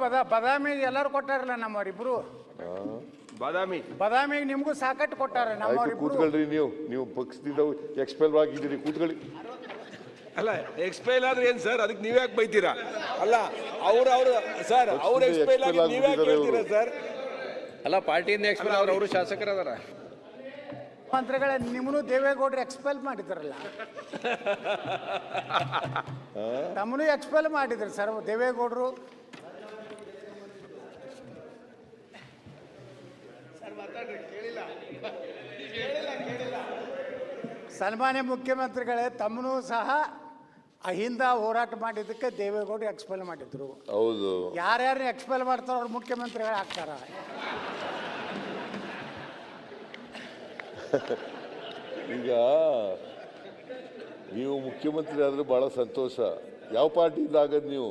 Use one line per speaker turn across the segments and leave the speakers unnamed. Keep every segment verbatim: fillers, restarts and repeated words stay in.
ಬದ ಬದಾಮಿಗೆ ಎಲ್ಲರೂ ಕೊಟ್ಟಾರಲ್ಲ ನಮ್ಮವರಿಬ್ರು.
ಬಾದಾಮಿ
ಬದಾಮಿಗೆ ನಿಮಗೂ ಸಾಕಟ್ಟು ಕೊಟ್ಟಾರ ನಮ್ಮವರಿಬ್ರು.
ಕೂತ್ಕೊಳ್ರಿ, ನೀವು ನೀವು ಪಕ್ಷದಿಂದ ಎಕ್ಸ್ಪೆಲ್ ಆಗಿದ್ದೀರಿ, ಕೂತ್ಕೊಳ್ಳಿ.
ಅಲ್ಲ ಎಕ್ಸ್ಪೈಲ್ ಆದ್ರೆ ಏನ್ ಸರ್, ಅದಕ್ಕೆ ನೀವ್ಯಾಕೆ ಬೈತೀರಾ? ಅಲ್ಲ ಅವ್ರು ಅವ್ರು ಸರ್ ಅವ್ರು ಎಕ್ಸ್ಪೈಲ್ ಆಗಿ ನೀವ್ಯಾಕೆ ಹೇಳ್ತೀರಾ ಸರ್?
ಅಲ್ಲ ಪಾರ್ಟಿಯಿಂದ ಎಕ್ಸ್ಪೈಲ್ ಅವ್ರು ಅವರು ಶಾಸಕರದಾರ.
ಮಂತ್ರಿಗಳೇ ನಿಮ್ಮನ್ನು ದೇವೇಗೌಡರು ಎಕ್ಸ್ಪೆಲ್ ಮಾಡಿದ್ರಲ್ಲ, ತಮ್ಮನು ಎಕ್ಸ್ಪೆಲ್ ಮಾಡಿದ್ರು ಸರ್ ದೇವೇಗೌಡರು. ಸನ್ಮಾನ್ಯ ಮುಖ್ಯಮಂತ್ರಿಗಳೇ, ತಮ್ಮನು ಸಹ ಅಹಿಂದ ಹೋರಾಟ ಮಾಡಿದ್ದಕ್ಕೆ ದೇವೇಗೌಡರು ಎಕ್ಸ್ಪೆಲ್ ಮಾಡಿದ್ರು.
ಹೌದು,
ಯಾರ್ಯಾರು ಎಕ್ಸ್ಪೆಲ್ ಮಾಡ್ತಾರೋ ಅವ್ರು ಮುಖ್ಯಮಂತ್ರಿಗಳು ಆಗ್ತಾರ.
ಈಗ ನೀವು ಮುಖ್ಯಮಂತ್ರಿ ಆದ್ರೆ ಬಹಳ ಸಂತೋಷ. ಯಾವ ಪಾರ್ಟಿಯಿಂದ ಆಗದು? ನೀವು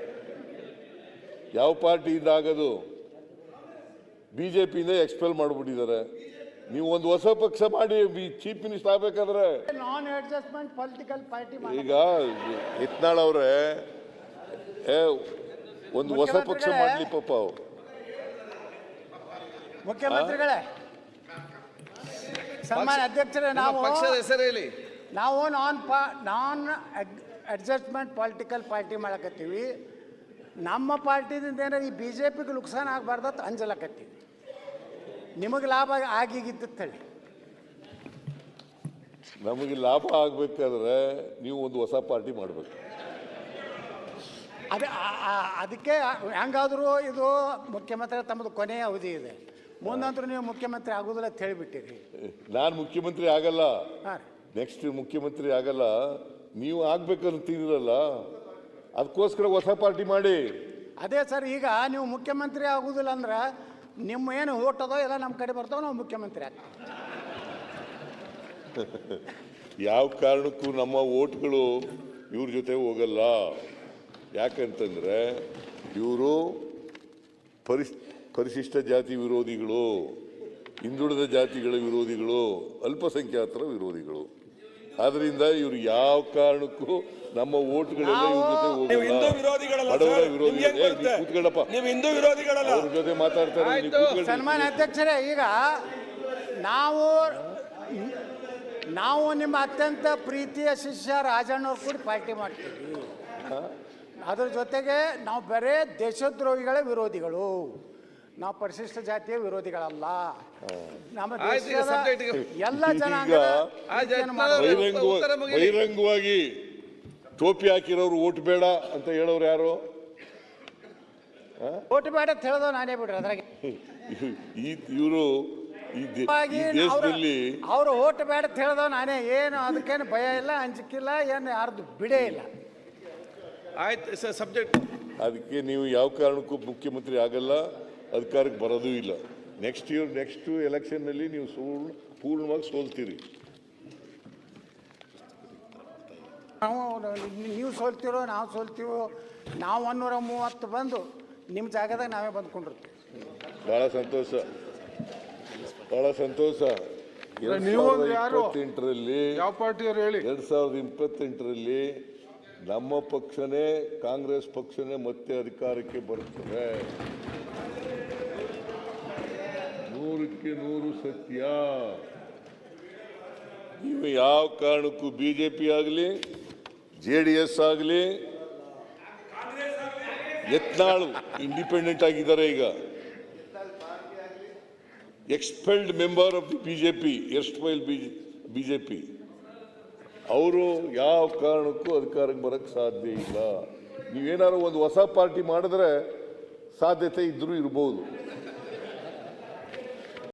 ಯಾವ ಪಾರ್ಟಿಯಿಂದ ಆಗದು? ಬಿಜೆಪಿಯಿಂದ ಎಕ್ಸ್ಪೆಲ್ ಮಾಡಿಬಿಟ್ಟಿದ್ದಾರೆ. ನೀವು ಒಂದು ಹೊಸ ಪಕ್ಷ ಮಾಡಿ ಚೀಫ್ ಮಿನಿಸ್ಟರ್ ಆಗ್ಬೇಕಾದ್ರೆ
ನಾನ್ ಅಡ್ಜಸ್ಟ್ಮೆಂಟ್ ಪೊಲಿಟಿಕಲ್ ಪಾರ್ಟಿ.
ಈಗ ಯತ್ನಾಳ್ ಅವರೇ ಒಂದು ಹೊಸ ಪಕ್ಷ ಮಾಡ್ಲಿ ಪಾಪ. ಅವ್ರು
ಮುಖ್ಯಮಂತ್ರಿಗಳೇ, ಸನ್ಮಾನ್ಯ ಅಧ್ಯಕ್ಷರೇ, ನಾವು
ಪಕ್ಷದ ಹೆಸರು ಹೇಳಿ.
ನಾವು ನಾನ್ ಪಾ ನಾನ್ ಅಡ್ಜಸ್ಟ್ಮೆಂಟ್ ಪೊಲಿಟಿಕಲ್ ಪಾರ್ಟಿ ಮಾಡಕತ್ತೀವಿ. ನಮ್ಮ ಪಾರ್ಟಿದಿಂದ ಏನಾರ ಈ ಬಿ ಜೆ ಪಿಗೆ ನುಕ್ಸಾನ ಆಗಬಾರ್ದು ಅಂತ ಅಂಜಲಕತ್ತೀವಿ. ನಿಮಗೆ ಲಾಭ ಆಗಿಗಿತ್ತು ಹೇಳಿ.
ನಮಗೆ ಲಾಭ ಆಗ್ಬೇಕಾದ್ರೆ ನೀವು ಒಂದು ಹೊಸ ಪಾರ್ಟಿ ಮಾಡಬೇಕು.
ಅದೇ ಅದಕ್ಕೆ ಹೆಂಗಾದರೂ ಇದು ಮುಖ್ಯಮಂತ್ರಿ ತಮ್ಮದು ಕೊನೆಯ ಅವಧಿ ಇದೆ, ಮುಂದಂತರೂ ನೀವು ಮುಖ್ಯಮಂತ್ರಿ ಆಗೋದಿಲ್ಲ ಅಂತ ಹೇಳಿಬಿಟ್ಟಿರಿ.
ನಾನು ಮುಖ್ಯಮಂತ್ರಿ ಆಗಲ್ಲ,
ಹಾಂ
ನೆಕ್ಸ್ಟ್ ಮುಖ್ಯಮಂತ್ರಿ ಆಗಲ್ಲ, ನೀವು ಆಗ್ಬೇಕಂತಿರಲ್ಲ, ಅದಕ್ಕೋಸ್ಕರ ಹೊಸ ಪಾರ್ಟಿ ಮಾಡಿ.
ಅದೇ ಸರ್, ಈಗ ನೀವು ಮುಖ್ಯಮಂತ್ರಿ ಆಗೋದಿಲ್ಲ ಅಂದ್ರೆ ನಿಮ್ಮ ಏನು ಓಟ್ ಅದೋ ಎಲ್ಲ ನಮ್ಮ ಕಡೆ ಬರ್ತಾವೆ, ನಾವು ಮುಖ್ಯಮಂತ್ರಿ ಆಗ್ತೀವಿ.
ಯಾವ ಕಾರಣಕ್ಕೂ ನಮ್ಮ ಓಟ್ಗಳು ಇವ್ರ ಜೊತೆ ಹೋಗಲ್ಲ. ಯಾಕಂತಂದ್ರೆ ಇವರು ಪರಿಸ್ ಪರಿಶಿಷ್ಟ ಜಾತಿ ವಿರೋಧಿಗಳು, ಹಿಂದುಳಿದ ಜಾತಿಗಳ ವಿರೋಧಿಗಳು, ಅಲ್ಪಸಂಖ್ಯಾತರ ವಿರೋಧಿಗಳು. ಆದ್ರಿಂದ ಇವರು ಯಾವ ಕಾರಣಕ್ಕೂ ನಮ್ಮ ಓಟ್ಗಳೆಲ್ಲ ಇವ್ರ ಜೊತೆ ಹೋಗಲ್ಲ. ಬಡವರ ವಿರೋಧಿಗಳು. ಕೂತ್ಕೊಳ್ಳಪ್ಪ, ಅವ್ರ ಜೊತೆ ಮಾತಾಡ್ತಾರೆ.
ಸನ್ಮಾನ್ಯ ಅಧ್ಯಕ್ಷರೇ, ಈಗ ನಾವು ನಾವು ನಿಮ್ಮ ಅತ್ಯಂತ ಪ್ರೀತಿಯ ಶಿಷ್ಯ ರಾಜಣ್ಣವ್ರು ಕೂಡ ಪಾರ್ಟಿ ಮಾಡ್ತೀವಿ. ಅದ್ರ ಜೊತೆಗೆ ನಾವು ಬರೇ ದೇಶದ್ರೋಹಿಗಳ ವಿರೋಧಿಗಳು, ನಾವು ಪರಿಶಿಷ್ಟ ಜಾತಿಯ ವಿರೋಧಿಗಳಲ್ಲ. ನಮ್ಮ ದೇಶದ ಎಲ್ಲ ಜನಾಂಗ
ಬಹಿರಂಗವಾಗಿ ಟೋಪಿ ಹಾಕಿರೋರು ಓಟ್ ಬೇಡ ಅಂತ ಹೇಳೋರು ಯಾರು?
ಓಟ್ ಬೇಡ ಅಂತ ಹೇಳೋದು ನಾನೇ ಬಿಡ್ರಿ. ಅದ್ರಾಗೆ
ಇವರು ದೇಶದಲ್ಲಿ
ಅವರು ಓಟ್ ಬೇಡ ಅಂತ ಹೇಳೋದು ನಾನೇ. ಏನು ಅದಕ್ಕೇನು ಭಯ ಇಲ್ಲ, ಅಂಜಿಕಿಲ್ಲ, ಏನು ಯಾರ್ದು ಬಿಡೇ ಇಲ್ಲ.
ಆಯ್ತು ಸಬ್ಜೆಕ್ಟ್.
ಅದಕ್ಕೆ ನೀವು ಯಾವ ಕಾರಣಕ್ಕೂ ಮುಖ್ಯಮಂತ್ರಿ ಆಗಲ್ಲ, ಅಧಿಕಾರಕ್ಕೆ ಬರೋದೂ ಇಲ್ಲ. ನೆಕ್ಸ್ಟ್ ಇಯರ್ ನೆಕ್ಸ್ಟ್ ಎಲೆಕ್ಷನ್ನಲ್ಲಿ ನೀವು ಸೋಲ್ ಪೂರ್ಣವಾಗಿ ಸೋಲ್ತೀರಿ.
ನಾವು ನೀವು ಸೋಲ್ತಿರೋ ನಾವು ಸೋಲ್ತೀವೋ, ನಾವು ಒನ್ನೂರ ಮೂವತ್ತು ಬಂದು ನಿಮ್ಮ ಜಾಗದಾಗ ನಾವೇ ಬಂದ್ಕೊಂಡಿರ್ತೀವಿ.
ಬಹಳ ಸಂತೋಷ, ಬಹಳ ಸಂತೋಷ. ಎರಡ್ ಸಾವಿರದ ಇಪ್ಪತ್ತೆಂಟರಲ್ಲಿ
ಯಾವ ಪಾರ್ಟಿಯವರು ಹೇಳಿ?
ಎರಡ್ ಸಾವಿರದ ಇಪ್ಪತ್ತೆಂಟರಲ್ಲಿ ನಮ್ಮ ಪಕ್ಷನೇ, ಕಾಂಗ್ರೆಸ್ ಪಕ್ಷನೇ ಮತ್ತೆ ಅಧಿಕಾರಕ್ಕೆ ಬರುತ್ತದೆ. ನೂರಕ್ಕೆ ನೂರು ಸತ್ಯ. ನೀವು ಯಾವ ಕಾರಣಕ್ಕೂ ಬಿಜೆಪಿ ಆಗಲಿ, ಜೆ ಡಿ ಎಸ್ ಆಗಲಿ, ಯತ್ನಾಳು ಇಂಡಿಪೆಂಡೆಂಟ್ ಆಗಿದ್ದಾರೆ. ಈಗ expelled member of the BJP, expel BJP, ಅವರು ಯಾವ ಕಾರಣಕ್ಕೂ ಅಧಿಕಾರಕ್ಕೆ ಬರಕ್ಕೆ ಸಾಧ್ಯ ಇಲ್ಲ. ನೀವೇನಾದ್ರು ಒಂದು ಹೊಸ ಪಾರ್ಟಿ ಮಾಡಿದ್ರೆ ಸಾಧ್ಯತೆ ಇದ್ರೂ ಇರ್ಬೋದು.